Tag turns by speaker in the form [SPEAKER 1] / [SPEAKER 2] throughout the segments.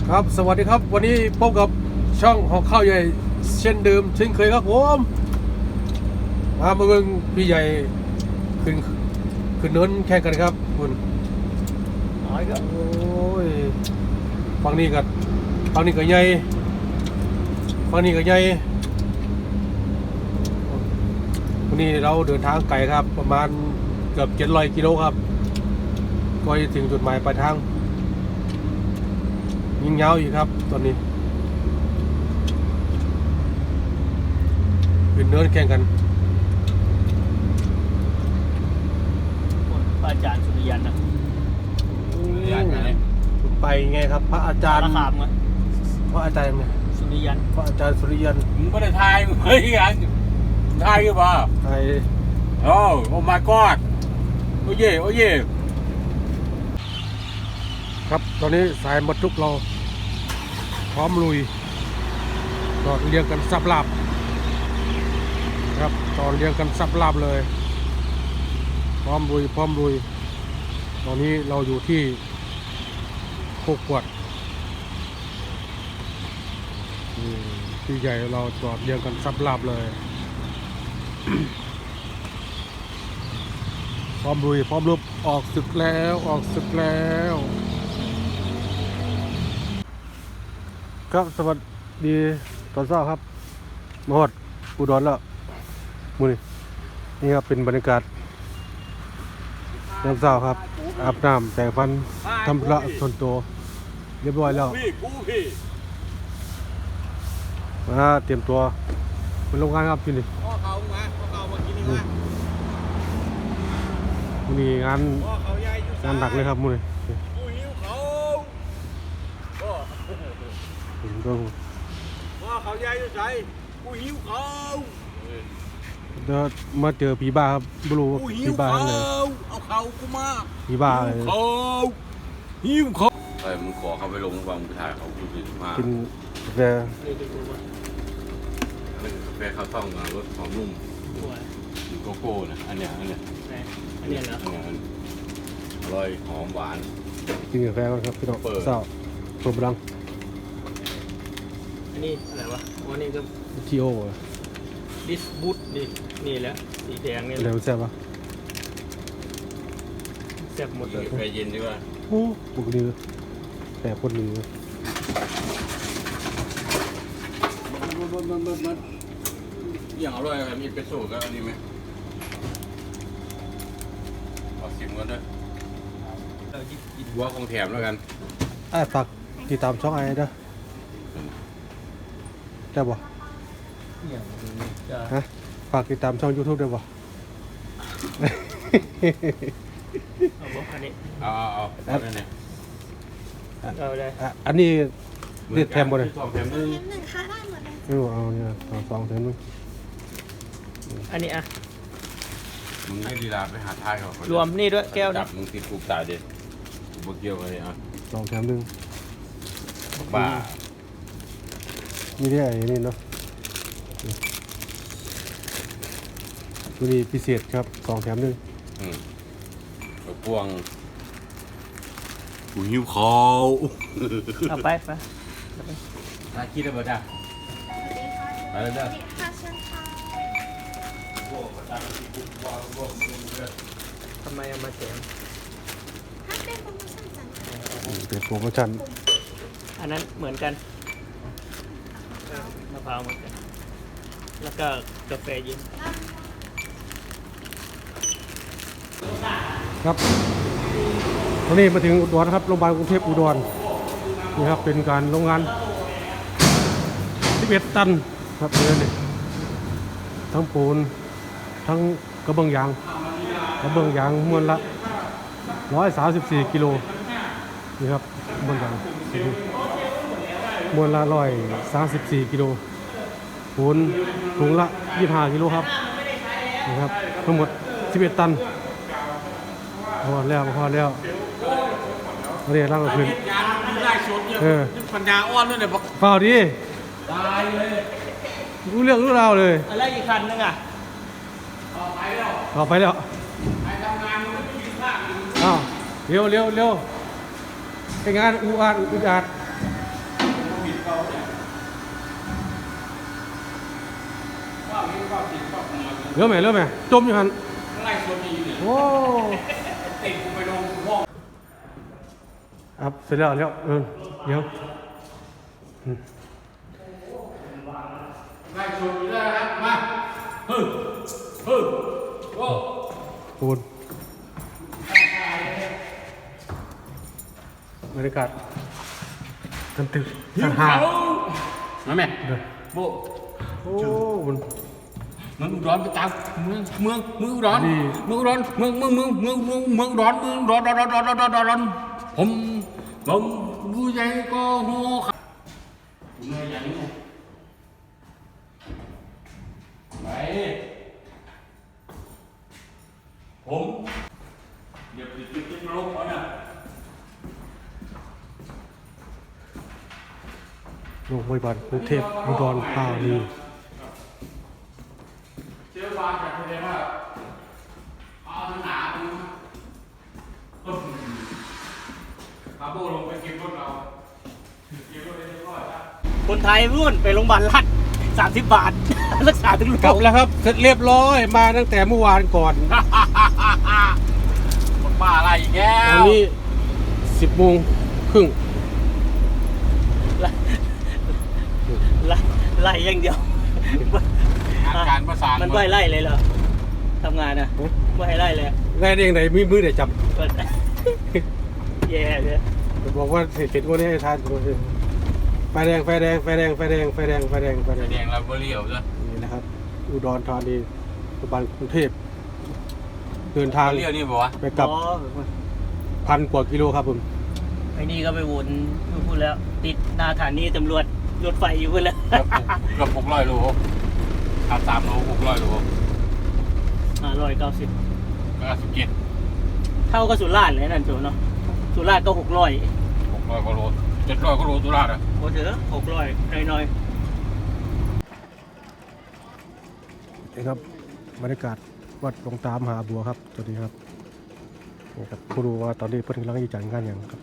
[SPEAKER 1] ครับสวัสดีครับวันนี้พบกับช่องหอกข้าวใหญ่เช่นเดิมเช่นเคยครับผมมาเบิ่งพี่ใหญ่ขึ้นเนินแข่งกันครับคุณโอ้ยฝั่งนี้ก็ใหญ่ฝั่งนี้ก็ใหญ่วันนี้เราเดินทางไกลครับประมาณเกือบ700 กิโลครับก็จะถึงจุดหมายปลายทางยิ่งยาวอีกครับตอนนี้ขึ้นเนินแข่งกัน
[SPEAKER 2] พระอาจารย์สุริยันนะ
[SPEAKER 1] ไปไงครับพระอาจารย์
[SPEAKER 2] ราคามั้ง
[SPEAKER 1] พระอาจารย์ไง
[SPEAKER 2] สุริยัน
[SPEAKER 1] พระอาจารย์สุริยัน
[SPEAKER 3] มึงไม่ได้ทายมึงเฮ้ยยังทายกันป่ะ
[SPEAKER 1] ไทย
[SPEAKER 3] โอ้ my god โอ้เย่โอ้เย่
[SPEAKER 1] ครับตอนนี้สายบรรทุกเราพร้อมลุยก็เรียงกันสับลาบครับตอนเรียงกันสับลาบเลยพร้อมลุยตอนนี้เราอยู่ที่โคกวดที่ใหญ่เราจอดเรียงกันสับลาบเลย พร้อมลุยพร้อมรบออกศึกแล้วครับสวัสดีตอนเช้าครับมาฮอดอุดรแล้วมื้อนี้นี่ครับเป็นบรรยากาศยามเช้าครับอาบน้ำแต่งฟันทำธุระส่วนตัวเรียบร้อยแล้ว
[SPEAKER 3] พี่
[SPEAKER 1] มาเตรียมตัวเป็นโรงงานครับที่นี่
[SPEAKER 3] พ่อเขามากินนี่มา
[SPEAKER 1] มื้อนี้งาน
[SPEAKER 3] พ่อเขาใหญ่อยู่
[SPEAKER 1] งานหนักเลยครับมื้อนี้
[SPEAKER 3] กูหิวเขาพ่อ
[SPEAKER 1] ต้อง
[SPEAKER 3] พ่อเขาใหญ่อยู่ใส่กูหิวเขา
[SPEAKER 1] เดี๋ยวมาเจอผีบ้าครับบ่รู้ว่า
[SPEAKER 3] กูหิ
[SPEAKER 1] ผี
[SPEAKER 3] ว
[SPEAKER 1] บ้า
[SPEAKER 3] เขา
[SPEAKER 1] ทางไหน
[SPEAKER 3] เอาเขากูมา
[SPEAKER 1] ผีบ้าเลย
[SPEAKER 3] เขาหิวเขาเฮ้ยมึงขอเขาไปลงวางกูถ่ายเขากูสิมา
[SPEAKER 1] กินกาแฟ
[SPEAKER 2] นี่ดูว่า
[SPEAKER 3] กาแฟเขาต้องรสหอมนุ่ม
[SPEAKER 2] ตัว
[SPEAKER 3] โกโก้นะอันเนี้ย
[SPEAKER 2] ไหนอันนี้เหรอ
[SPEAKER 3] อร่อยหอมหวาน
[SPEAKER 1] กินกาแฟก่อนครับพี่น้อง
[SPEAKER 3] เปิด
[SPEAKER 1] เช้าเปิดบลัง
[SPEAKER 2] อันนี้อะไรวะวันนี้ก็
[SPEAKER 1] ทีโอ
[SPEAKER 2] ดิสบูทนี่แหละสีแดงนี่
[SPEAKER 1] อะไรมันแซ่บปะ
[SPEAKER 2] แซ่บหมดเลย
[SPEAKER 3] กาแฟเย็นดีกว่า
[SPEAKER 1] โอ้บุกนี้แต่คนนี้
[SPEAKER 3] มันอย่างอร่อยครับมีเปโซ่ก็อันนี้ไหมขอชิมก่อนด้วยวัวคงแถมแล้วกัน
[SPEAKER 1] ไอ้ฝากติดตามช่องไอ้เด้อได้ป่ะ
[SPEAKER 2] อย่างนี้จะ
[SPEAKER 1] ฮะฝากติดตามช่อง YouTube ได้ป่ะ
[SPEAKER 2] เอาบอกอันนี้
[SPEAKER 3] เอานั่นเนี่ย
[SPEAKER 2] เอาได้
[SPEAKER 1] อันนี้เรียกแถมบ่เลย
[SPEAKER 3] สองแถมนึง
[SPEAKER 4] หนึ่งค่ะได้หมดเลย
[SPEAKER 1] ไม่รู้เอาเนี่ยสองแถมนึง
[SPEAKER 2] อันนี้อ่ะ
[SPEAKER 3] มึงให้ดีลาไปหาทายเขา
[SPEAKER 2] รวมนี่ด้วยแก้ว
[SPEAKER 3] จั
[SPEAKER 2] นะ
[SPEAKER 3] บมึงติดกูตายเด็ดกูบเกี่ยวอะไรอ่ะ
[SPEAKER 1] สองแถมนึง
[SPEAKER 3] บ้า
[SPEAKER 1] นี่ได้ไอ้นี่เนาะตัวนี้พิเศษครับสองแถมนึง
[SPEAKER 3] กระพวงกูหิวคอ
[SPEAKER 2] เอาไป
[SPEAKER 3] น่าคิดได้บ่จ้ะไปแล้วเด้อ
[SPEAKER 4] ค่ะเชิญค่ะ
[SPEAKER 2] ทำไมเอามาแถม
[SPEAKER 4] ถ้าเป็นโปรโมชั่นจัง
[SPEAKER 1] เป็นโปรโมชั่น
[SPEAKER 2] อันนั้นเหมือนกันมะพร้าวเหมือนกันแล้วก็กาแฟเย็น
[SPEAKER 1] ครับตอนนี้มาถึงอุดรครับโรงพยาบาลกรุงเทพอุดรนี่ครับเป็นการโรงงาน11 ตันครับเนี่ยทั้งปูนทั้งกระเบื้องยางมวลละ134 กิโลนี่ครับมวลยางมวลละ134 กิโลปูนถุงละ25 กิโลครับนี่ครับทั้งหมด11 ตันพอแล้วเรียกร่างก็ขึ้น
[SPEAKER 3] ได้ชดเนี่ยปัญญาอ่อนด้วยเนี่ยบอก
[SPEAKER 1] เปล่าดิ
[SPEAKER 3] ตายเลย
[SPEAKER 1] รู้เรื่องรู้ราวเลย
[SPEAKER 2] อะไรอีกคันนึงอ่ะ
[SPEAKER 1] ต่อไปแล้วอ้าวเร็วให้งานอุอาดเลือไหมจมอยู่หัน
[SPEAKER 3] ไล่ส่วนนี้อยู่เนี่ย
[SPEAKER 1] โอ้
[SPEAKER 3] ติดกูไปลงห้อง
[SPEAKER 1] ครับเสร็จแล้วเดี๋ยว
[SPEAKER 3] ไล่ส่วนอยู่ได้ครับมาโอ้
[SPEAKER 1] ปูนบรรยากาศกันตึกกันหา
[SPEAKER 3] มาแม่
[SPEAKER 1] เด้อ
[SPEAKER 3] โบ
[SPEAKER 1] โอ้มัน
[SPEAKER 3] เมืองอุดรไปตามเมืองอุดร
[SPEAKER 1] นี่
[SPEAKER 3] เมืองอุดรเมืองอุดรเมืองอุดรผมผู้ใหญ่ก็หัวขาผมเลยอย่างนี้ไปผมเดี๋ยวติดลงก่อนนะ
[SPEAKER 1] โรงพยาบาลกรุงเทพอุดรธานี
[SPEAKER 3] เชื่อบ้านจากที่ไหนว่าเอาหนาดูต้นคาร์โบลงไปเก็บรถเราเก็บรถได้เรียบร้อยแล้ว
[SPEAKER 2] คนไทยรุ่นไปโรงพยาบาลรัฐ30 บาท รักษาถึง
[SPEAKER 1] กลับแล้วครับเสร็จเรียบร้อยมาตั้งแต่เมื่อวานก่อน
[SPEAKER 3] คนบ้าอะไรอีกแล้
[SPEAKER 1] ตอน
[SPEAKER 3] ว
[SPEAKER 1] นี้10:30
[SPEAKER 2] ไล่อย่างเดียว
[SPEAKER 3] อาการประสาน
[SPEAKER 2] มันไม่ไล่เลยเหรอทำงานนะไม่ให้ไล่เลยอะ
[SPEAKER 1] ได้เองไหนมือได้จับ
[SPEAKER 2] แย่เลย
[SPEAKER 1] บอกว่าเสร็จวันนี้ให้ทานไฟแดง
[SPEAKER 3] แดงเราเบอร์เรียวจ้ะ
[SPEAKER 1] นี่นะครับอุดรธานีโรงพยาบาลกรุงเทพเดินทาง
[SPEAKER 3] เรียวนี่บอกว่า
[SPEAKER 1] ไปกลับ
[SPEAKER 2] อ๋อ
[SPEAKER 1] 1,000 กว่ากิโลครับผม
[SPEAKER 2] ไอ้นี่ก็ไปวนพูดแล้ว ติดหน้าฐานีตำรวจรถไฟอยู่พูดแล้ว
[SPEAKER 3] เกือบ600 โลขาด3 โล600 โล
[SPEAKER 2] 590
[SPEAKER 3] 97
[SPEAKER 2] เท่ากับสุราษฎร์เลยนั่นโจเนาะสุราษฎร์ก็600
[SPEAKER 3] 600 กว่าโล700 กว่าโลตุลาอ่ะ
[SPEAKER 2] โอ้เถอะ600น้อย
[SPEAKER 1] นี่ครับบรรยากาศวัดหลวงตามหาบัวครับสวัสดีครับนี่ครับผู้รู้ว่าตอนนี้เพิ่นกำลังจัดงานอย่างครับ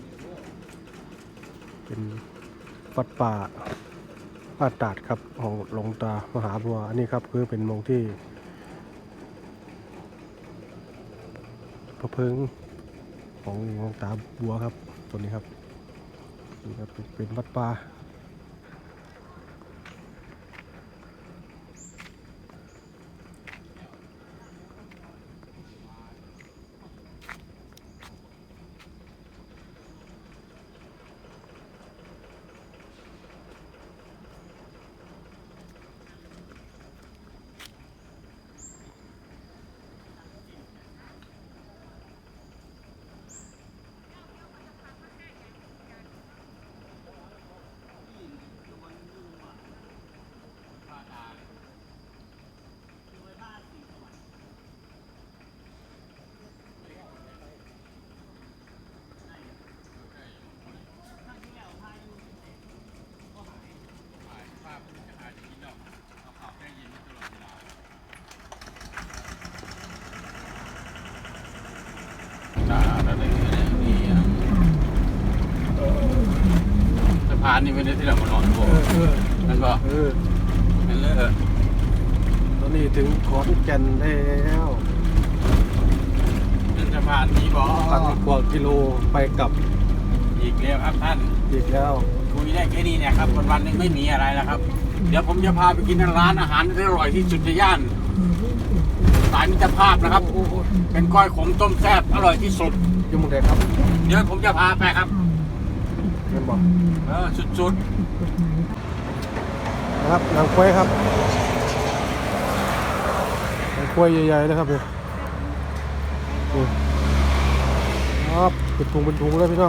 [SPEAKER 1] เป็นวัดป่าบ้านตาดครับของหลวงตามหาบัวอันนี้ครับคือเป็นมงที่พระเพิงของหลวงตาบัวครับตัวนี้ครับนี่ครับเป็นวัดป่า
[SPEAKER 3] สะพานนี่ไม่ได้ที่เรามานอนบ่นั่นบ่นั่นเลย
[SPEAKER 1] ตอนนี้ถึงขอนแก่นแล้ว
[SPEAKER 3] นั่นสะพานนี้บ่
[SPEAKER 1] 1,000 กว่ากิโลไปกลับ
[SPEAKER 3] อีกแล้วครับท่าน
[SPEAKER 1] อีกแล้ว
[SPEAKER 3] คุยได้แค่นี้เนี่ยครับวันๆนึงไม่มีอะไรแล้วครับ เดี๋ยวผมจะพาไปกินร้านอาหารที่อร่อยที่สุดในย่านสายมิตรภาพนะครับ เป็นก้อยขมต้มแซ่บอร่อยที่สุด
[SPEAKER 1] อยู่หมุงแดงครับ
[SPEAKER 3] เดี๋ยวผมจะพาไปครับ
[SPEAKER 1] เงินบอก
[SPEAKER 3] สุด
[SPEAKER 1] นะครับหนังควายครับหนังควายใหญ่ๆนะครับเนี่ยนี่ครับเป็นถุงเลยพี่น้อง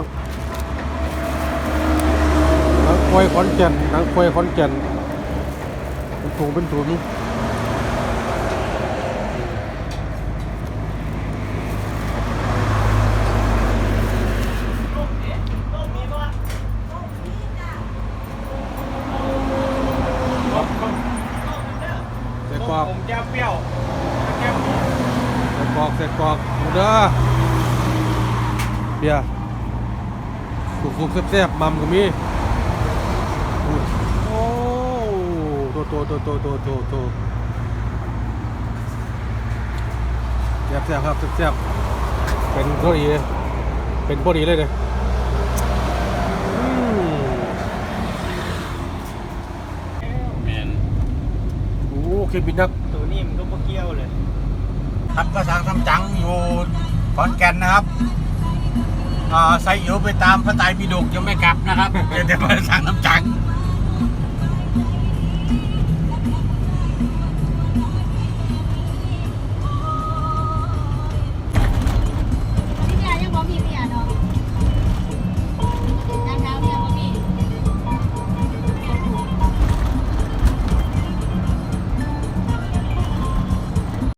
[SPEAKER 1] หนังควายขอนแก่นหนังควายขอนแก่นเป็นถุงใส่กรอก
[SPEAKER 3] ผมแก้วเปรี้ยวแก้ว
[SPEAKER 1] ใส่กรอกเอาเด้อเบียร์สุกๆแซ่บๆมัมก็มีโอ้โตแซ่บๆครับแซ่บๆเป็นพอดีเลยเป็นพอดีเลยเนี่ย
[SPEAKER 3] แมน
[SPEAKER 1] โอ้เคบินนัก
[SPEAKER 2] ตัวนี้มันก็บ่เกี่ยวเลย
[SPEAKER 3] ครับก็สั่งทำจังอยู่ขอนแก่นนะครับใส่อยู่ไปตามพระไตรปิฎกยังไม่กลับนะครับเดี๋ยวมาสั่งน้ำจัง